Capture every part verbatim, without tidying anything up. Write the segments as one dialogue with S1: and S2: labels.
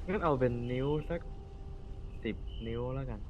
S1: งั้นเอาเป็นนิ้วสักสิบนิ้วแล้วกัน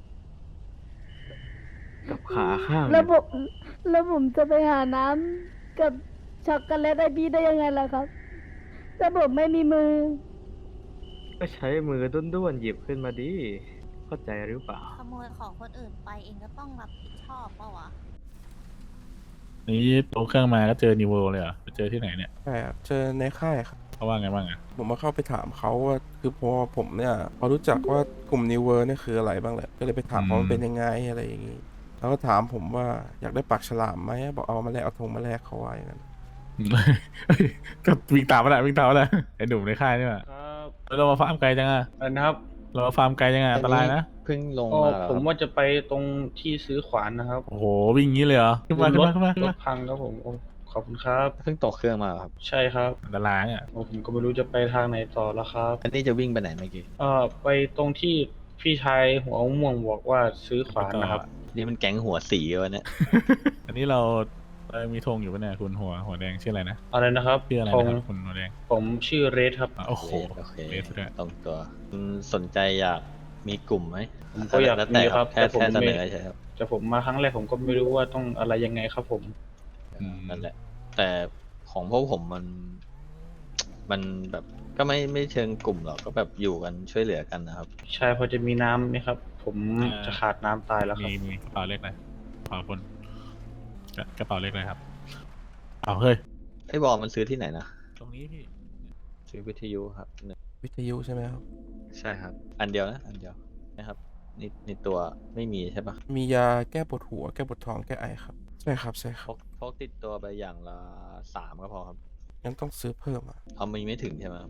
S1: กับขาข้างหนึ่ง
S2: แล้วผมแล้วผมจะไปหาน้ำกับช็อกโกแลตไอบีได้ยังไงล่ะครับถ้าผมไม่มีมือ
S1: ก็ใช้มือด้วนๆหยิบขึ้นมาดิเข้าใจหรือเปล่า
S3: ขโมยของคนอื่นไปเองก็ต้องรับผิดชอบเปล่าวะ
S4: นี่ตัวเครื่องมาก็เจอนิวเวลเลยเหรอไปเจอที่ไหนเนี่ย
S5: ใช่ครับเจอในค่ายครับ
S4: เขาว่าไงบ้างอ่ะ
S5: ผมมาเข้าไปถามเขาว่าคือพอผมเนี่ยพอรู้จักว่ากลุ่มนิวเวอร์เนี่ยคืออะไรบ้างแหละก็เลยไปถามเขาว่ามันเป็นยังไงอะไรอย่างนี้แล้วก็ถามผมว่าอยากได้ปากฉลามไหมบอกเอามาแลกเอาธงมาแลกเขาไว้อย่างนั้น
S4: เฮ้ยก็วิ่งตามมาแหละวิ่งตามมาแหละไอ้หนุ่มในค่ายนี่แหละ
S6: ครับ
S4: เรามาฟาร์มไกลจังอ่ะ
S6: อันนะครับ
S4: เรามาฟาร์มไกลจังอ่ะอันตรายนะ
S7: เพิ่งลง
S6: ก็
S7: มาเหรอ
S6: ผม
S7: ครับ
S6: ว่าจะไปตรงที่ซื้อขวานนะครับ
S4: โอ้โหวิ่งงี้เลยเหรอขึ้นมาขึ้น
S6: รถ
S4: มาขึ้นมาขึ้น
S6: ร
S4: มา
S6: ถพังครับผมโอ้ขอบคุณครับ
S7: เพิ่งตกเครื่องมาเหรอครับ
S6: ใช่ครับ
S4: อันตรายอ่ะ
S6: โอ้ผมก็ไม่รู้จะไปทางไหนต่อแล้วครับ
S7: อันนี้จะวิ่งไปไหนเมื่อกี้
S6: เอ่อไปตรงที่พี่ชายหัวม่วงบอกว่าซื้อขวานนะครับ
S7: นี่มันแก๊งหัวสีวะเนี่ย
S4: อันนี้เราเรามีธงอยู่ปะเนี่ยคุณหัวหัวแดงชื่ออะไรนะ
S6: อะไรนะครับ
S4: ชื่ออะไร
S6: ผ
S4: นะ
S6: ม
S4: ครับคุณหัวแดง
S6: ผมชื่อเรดครับ
S4: อ่ะโอ้โห
S7: โอเค
S4: เลสด้วย
S7: ตรงตัวคุณสนใจอยากมีกลุ่มไหม
S6: ผมก็อยาก
S7: แล้ว
S6: มี
S7: แต่
S6: ครับ
S7: แค่
S6: แต่ผม
S7: แค่เสน
S6: ไม่
S7: อใช่ครับ
S6: แต่ผมมาครั้งแรกผมก็ไม่รู้ว่าต้องอะไรยังไงครับผม
S4: อืม
S7: นั่นแหละ แต่ของพวกผมมัน มันแบบก็ไม่ไม่เชิงกลุ่มหรอกก็แบบอยู่กันช่วยเหลือกันนะครับ
S6: ใช่พอจะมีน้ำไหมครับ ผมจะขาดน้ำตายแล้วครั
S4: มี
S6: บ
S4: มีกระเป๋าเล็กเลยขอบคุณกระกระเป๋าเล็กเลยครับเอาเฮ้ย
S7: ไอ้บอลมันซื้อที่ไหนนะ
S4: ตรงนี้พี่
S7: ซื้อวิทยุครับหนึ่ง
S5: วิทยุใช่ไหมครับ
S7: ใช่ครับ อันเดียวนะ อันเดียวนะครับนี่ในตัวไม่มีใช่ปะ
S5: มียาแก้ปวดหัวแก้ปวดท้องแก้ไอครับใช่ครับใช่ค
S7: พ
S5: รับ
S7: กพกติดตัวไปอย่างละสามก็พอครับ
S5: งั้นต้องซื้อเพิ่มอ่ะ
S7: เอามีไม่ถึงใช่ไหมครับ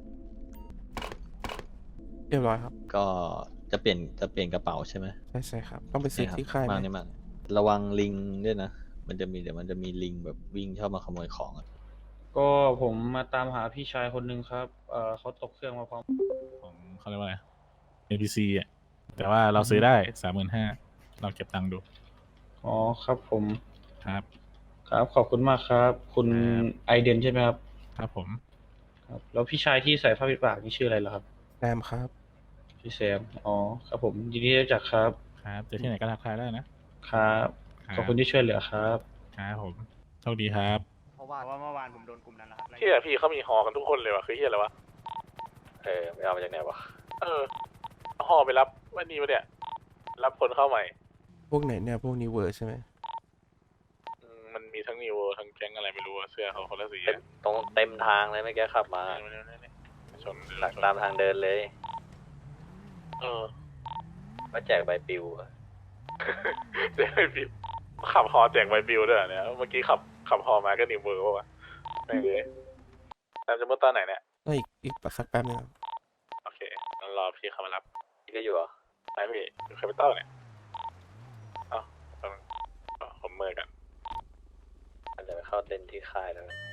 S5: เรียบร้อยครับ
S7: ก็จะเปลี่ยนจะเปลี่ยนกระเป๋าใช่ไหม
S5: ใช่ใช่ครับต้องไปซื้อ
S7: นี่ครับ
S5: ที่ค่ายไห
S7: มาก
S5: ม
S7: นี่มากระวังลิงด้วยนะ มันจะมีเดี๋ยวมันจะมีลิงแบบวิ่งชอบมาขโมยของอะ
S6: ก็ผมมาตามหาพี่ชายคนหนึ่งครับ เอ่อเขาตกเครื่องมาพร้อม
S4: ของเขาเรียกว่าอะไร เอ็น พี ซี อ่ะแต่ว่าเราซื้อได้สามหมื่นห้าเราเก็บตังค์ดู
S6: อ๋อครับผม
S4: ครับ
S6: ครับขอบคุณมากครับ คุณ
S4: ครับ
S6: ไอเดนใช่ไหมครับ
S4: ครับผม
S6: ครับ แล้วพี่ชายที่ใส่ผ้าปิดปากนี่ชื่ออะไรเหรอครับ
S5: แซมครับ
S6: พี่แซม อ๋อครับผมยินดีที่รู้จักครับ
S4: ครับเจอที่ไหนก็ทักทายได้นะ
S6: ครับ
S4: ครับ
S6: ขอบคุณที่ช่วยเหลือครับ
S4: ครับผมโชคดีครับ
S8: เพราะว่าว่าเมื่อวานผมโดนกลุ่มนั้นนะครับไล่
S4: เฮียพี่เขามีหอกันทุกคนเลยว่ะคือเฮียอะไรวะ
S7: เออไม่เอามาจากไหนวะ
S4: เออหอไปรับวันนี้วะเนี่ย รับคนเข้าใหม่
S5: พวกไหนเนี่ยพวกนิวเวอร์ใช่ไหม
S4: อืมมันมีทั้งนิวทั้งแก๊งอะไรไม่รู้อะเสื้อเขาคนละสี
S7: เต็มตรงเต็มทางเลยเมื่อกี้ขับมา
S4: ชน
S7: หลักตามทางเดินเลย
S4: เออ
S7: ว่าแจกใบปลิวอะ
S4: แจกใบปลิวขับฮอแจกใบปลิวด้วยเหรอเนี่ยเมื่อกี้ขับขับฮอมาก็นิวเวอร์ป่าวะไม่เลยนามจะมุดตอนไหนเนี่ย
S5: ก็อีกอีกสักแป๊บนึงครับ
S4: โอเคงั้นรอพี่เขามารับ
S7: พี่ก็อยู่เหรอ
S4: ไหนพี่อยู่แคปิตอลเนี่ยเอ้าเอาเอาผมเมื่อยกัน
S7: เดี๋ยวไปเข้าเต็นท์ที่ค่ายแล้วกัน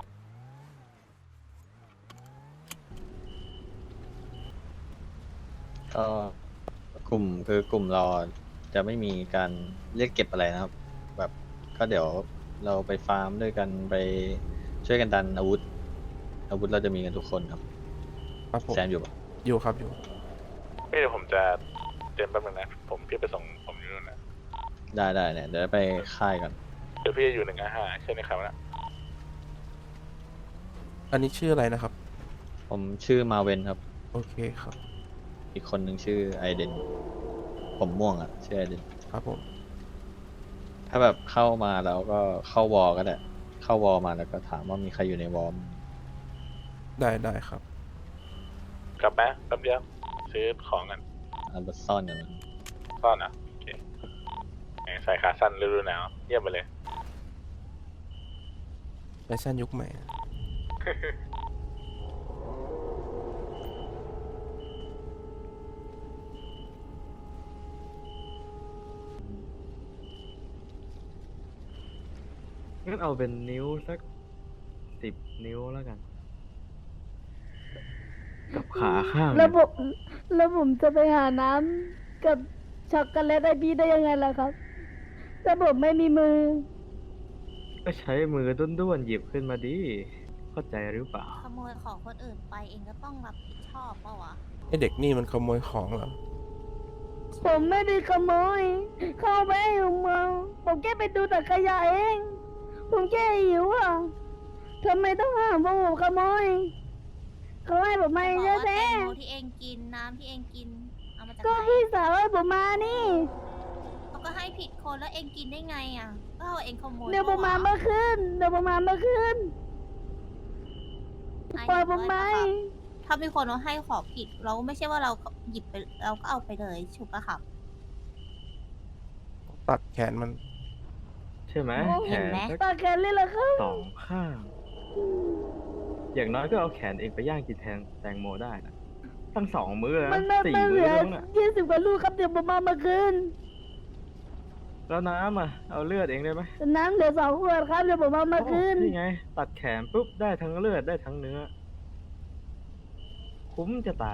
S7: ก็กลุ่มคือกลุ่มเราจะไม่มีการเรียกเก็บอะไรนะครับ แบบก็เดี๋ยวเราไปฟาร์มด้วยกันไปช่วยกันดันอาวุธ อาวุธเราจะมีกันทุกคนครับ
S5: ครับผม
S7: แซมอยู่ปะ
S5: อยู่ครับอยู่
S4: พี่เดี๋ยวผมจะเตรียมแป๊บนึงนะ ผมพี่ไปส่งผมอยู่นู่นนะ
S7: ได้ได้เนี่ยเดี๋ยวไปค่ายกัน
S4: เดี๋ยวพี่จะอยู่หนึ่งห้าใช่ไหมครับนะ
S5: อันนี้ชื่ออะไรนะครับ
S7: ผมชื่อมาเวนครับ
S5: โอเคครับ
S7: อีกคนหนึ่งชื่อไอเดน ผมม่วงอ่ะชื่อไอเดน
S5: ครับผม
S7: ถ้าแบบเข้ามาแล้วก็เข้าวอลก็ได้ เข้าวอลมาแล้วก็ถามว่ามีใครอยู่ในวอล
S5: ได้ได้ครับ
S4: กลับมาแป๊บเดียวซื้อของกัน
S7: อันบัซ่อนอย่างนั้น
S4: ซ่อนอ่ะโอเคแหมใส่ขาสั้นฤดูหนาวเยี่ยมไปเลย
S5: แฟชั่นยุคใหม่
S1: งั้นเอาเป็นนิ้วสักสิบนิ้วแล้วกันกับขาข้างห
S2: แล้
S1: นึ่
S2: ว
S1: ง
S2: ผมแล้วผมจะไปหาน้ำกับช็อกโกแลตไอบีได้ยังไงล่ะครับถ้าผมไม่มีมือ
S1: ก็ใช้มือด้วนๆหยิบขึ้นมาดิเข้าเข้าใจหรือเปล่า
S3: ขโมยของคนอื่นไปเองก็ต้องรับผิดชอบเปล่าวะ
S5: ไอเด็กนี่มันขโมยของเหรอ
S2: ผมไม่ได้ขโมย เข้าไปให้ผมเมาผมแค่ไปดูแต่ขยะเอง ผมแค่หิวอ่ะทำไมต้องห้ามว่าผมขโมย เขาให้ผมมา
S3: บอก
S2: เยอะ
S3: ว่าแต
S2: แท้
S3: งโมที่เองกินน้ำที่เองกินเอามาจาก
S2: ก็
S3: ไหน
S2: พี่สาวให้ผมมานี่
S3: เขาก็ให้ผิดคนแล้วเองกินได้ไงอ่ะก็เอาเองขโมย
S2: เดี๋ยวผมมา
S3: ปะวะ
S2: เมื่อคืนเดี๋ยวผมมาเมื่อคืน
S3: ไอ้
S2: ปล่อยผมไหม
S3: เห็นด้วยปะครับถ้ามีคนเอาให้ของผิด เราไม่ใช่ว่าเราหยิบไปเราก็เอาไปเลยถูกปะครับ
S5: ตัดแขนมัน
S1: ใช่ไหม
S2: โอ้
S1: แข
S3: เห็น
S1: น
S3: ไหม
S1: สัก
S2: ตาแขนเลยเหรอครับ
S1: สองข้าง อย่างน้อยก็เอาแขนเองไปย่างกินแทนแตงโมได้นะตั้งสองมื้อแล้ว
S2: มัน
S1: นะ
S2: มัน
S1: สี่
S2: มันเห
S1: มื้
S2: ลื
S1: อ
S2: อ
S1: แล้วมั้งน่ะ
S2: ยี่สิบกว่าลูกครับเดี๋ยวผมมาเมื่อคืน
S1: แล้วน้ำอ่ะ เอาเลือดเองได้ไหม
S2: น้ำเหลือสองขวดครับเดี๋ยวผมมาเมื่อคืน
S1: โนี่ไง ตัดแขนปุ๊บได้ทั้งเลือดได้ทั้งเนื้อ คุ้มจะตาย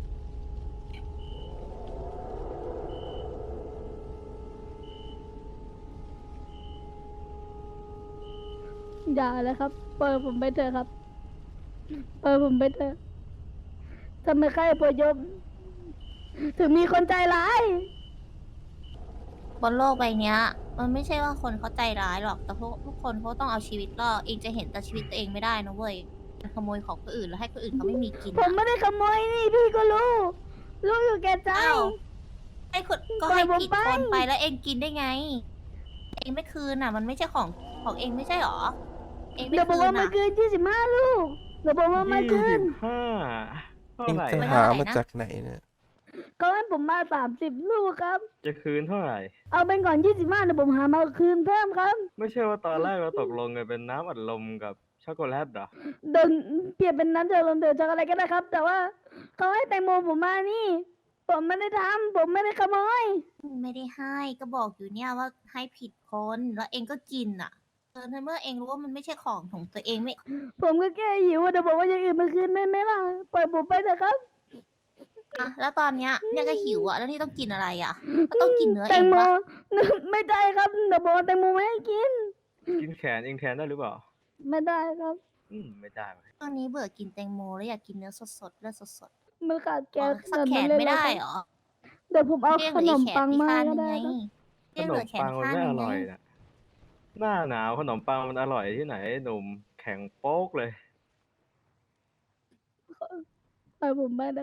S2: อย่าเลยครับปล่อยผมไปเถอะครับปล่อยผมไปเถอะทำไมใครพยพถึงมีคนใจร้าย
S3: บนโลกใบเนี้ย มันไม่ใช่ว่าคนเขาใจร้ายหรอก แต่พวกทุกคนเขาต้องเอาชีวิตรอดเองจะเห็นแต่ชีวิตตัวเองไม่ได้นะเว้ยขโมยของคนอื่นแล้วให้คนอื่นเขาไม่มีกิน
S2: ผม
S3: อะ
S2: ไม่ได้ขโมยนี่พี่ก็รู้รู้อยู่แก่ใจ
S3: อ้าวให้คนก็
S2: ปล่อ
S3: ให้
S2: ยผม
S3: ผิด
S2: ไป
S3: คนไปแล้วเองกินได้ไง เองไม่คืนอ่ะ มันไม่ใช่ของของเองไม่ใช่หรอ เองไม่
S2: เดี๋ยวผม
S3: คื
S2: ว่าน มา
S3: อ่ะ
S2: คืนยี่สิบห้าลูกเดี๋ยวผมว่ามา
S1: ยี่
S2: คื
S1: สิ
S2: น
S1: บห้าเท่า
S5: เอง
S1: ไหร่
S5: ไป
S3: ไม่
S5: หา
S3: เท่าไหร่
S5: มา
S3: นะ
S5: จากไหนเนี่ย
S2: ก็ให้ผมมาสามสิบลูกครับ
S1: จะคืนเท่าไหร่
S2: เอาเป็นก่อนยี่สิบห้าเดี๋ยวผมหามาคืนเพิ่มครับ
S1: ไม่ใช่ว่าตอนแรกเราตกลงกันเป็นน้ำอัดลมกับช็อกโกแลตเหรอ
S2: เดินเปลี่ยนเป็นน้ำเดือดลมเดือดจากอะไรก็ได้ครับ แต่ว่าเขาให้แตงโมผมมานี่ ผมไม่ได้ทำผมไม่ได้ขโมย
S3: ไม่ได้ให้ก็บอกอยู่เนี่ยว่าให้ผิดคนแล้วเองก็กินอ่ะเออในเมื่อเองรู้ว่ามันไม่ใช่ของของตัวเองไม่
S2: ผมก็แค่หิวอะเดี๋ยวบอกว่าอย่างอื่นมาคืนได้ไหมล่ะปล่อยผมไปเถอะครับ
S3: อะแล้วตอนเนี้ยเนี่ยก็หิวอ่ะแล้วนี่ต้องกินอะไรอ่ะก็ต้องกินเนื้อ
S2: แต
S3: เอง
S2: งโม
S3: ปะ
S2: ไม่ได้ครับเดี๋ยวบอกว่าแตงโมไม่ให้กิน
S1: กินแขนเองแทนได้หรือเปล่า
S2: ไม่ได้ครับ
S1: อืมไม่ได้เว้ย
S3: ตอนนี้เบื่อกินแตงโมแล้วอยากกินเนื้อสดๆเลือดสด
S2: มันขาด
S3: ๆ
S2: แก๊ส
S3: สักแขน
S2: แบบ
S3: ไม่
S2: เลย
S3: ได้
S2: เหรอ
S3: เหรอ
S2: เดี๋ยวผมเอา
S3: เรียก
S2: ข
S3: เหลื
S2: น
S3: อ
S2: ม
S3: แข
S2: ปั
S3: น
S2: ง
S3: ที่
S2: มา
S3: ข้าง
S2: ก็
S3: นึง
S2: ได้
S3: ไง
S2: ครับ
S1: ข
S3: เรียก
S1: น
S3: เหลื
S1: ม
S3: อแขน
S1: ปังมัน
S3: ข้าง
S1: ไม่
S3: นึ
S1: อง
S3: ไง
S1: ร่อยนะหน้าหนาวขนมปังมันอร่อยที่ไหนหนุ่มแข็งโป๊กเลย
S2: ปล่อยผมไปนะ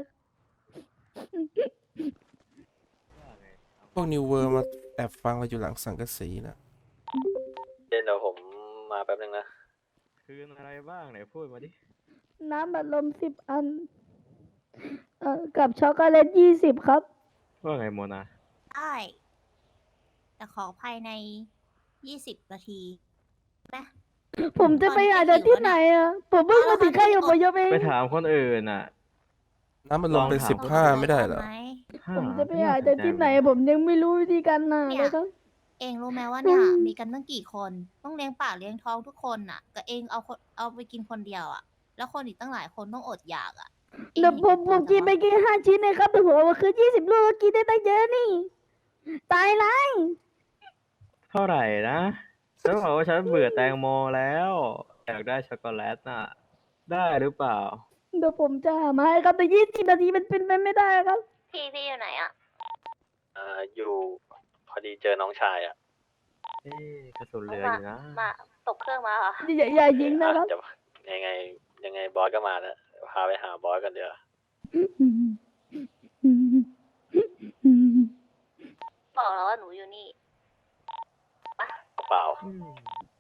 S5: พวกนิวเวอร์มาแอบฟังเราอยู่หลังสังกะสีนะ
S7: เดี๋ยวผมมาแป๊บนึงนะ
S1: คืนอะไรบ้างไหนพูดมาดิ
S2: น้ำบัดลมสิบอัน เอ่อกับช็อกโกแลตยี่สิบครับ
S1: ว่าไงโมนา
S3: ได้แต่ขอภายในยี่สิบนาทีนะ
S2: ผมจะไปหาจากที่ไหนอ่ะ ผมเพิ่งมาถึงแค่อยู่บนยกเอง
S1: ไปถามคนอื่นอ่ะ
S5: น้ำมันลงเป็น
S1: ลองถาม
S5: สิบห้าไม่ได้เหรอ
S3: ไหม
S2: ผมจะไปหาจากที่ไหน ผมยังไม่รู้วิธีการหา
S3: เนี่
S2: เลย ยครับ
S3: เองรู้ไหมว่าเนี่ย
S2: อืม
S3: มีกันตั้งกี่คน ต้องเลี้ยงปากเลี้ยงท้องทุกคนน่ะแต่เองเอาคนเอาไปกินคนเดียวอ่ะ แล้วคนอีกตั้งหลายคนต้องอดอยากอ่ะอง
S2: เดี๋ยวผมผมกินไป
S3: เห็
S2: แค่ห้าชิ้นเองครับแต่ผมเอามาคืนยี่สิบลูกก็กินได้ตั้งเยอะนี่ ตายละ
S1: เท่าไหร่นะฉันบอกว่าฉันเบื่อแตงโมแล้วอยากได้ช็อกโกแลตน่ะ ได้หรือเปล่า
S2: เดี๋ยวผมจะหามาให้ครับแต่ยี่สิบนาทีมันเป็นไปไม่ได้ครับ
S3: พี่พี่อยู่ไหนอ่ะ
S7: เอ่อ อยู่พอดีเจอน้องชายอ่ะ
S1: เอ๊ะกระสุนเหลืออยู่นะ
S3: มาตกเครื่องมาเหรอ
S2: อย่าอย่ายิงนะครับ
S7: จะยังไงยังไงบอสก็มาแล้วพาไปหาบอสกันเดี๋ยว
S3: บอกแล้วว่าหนูอยู่นี่
S7: เปล่า
S1: อืม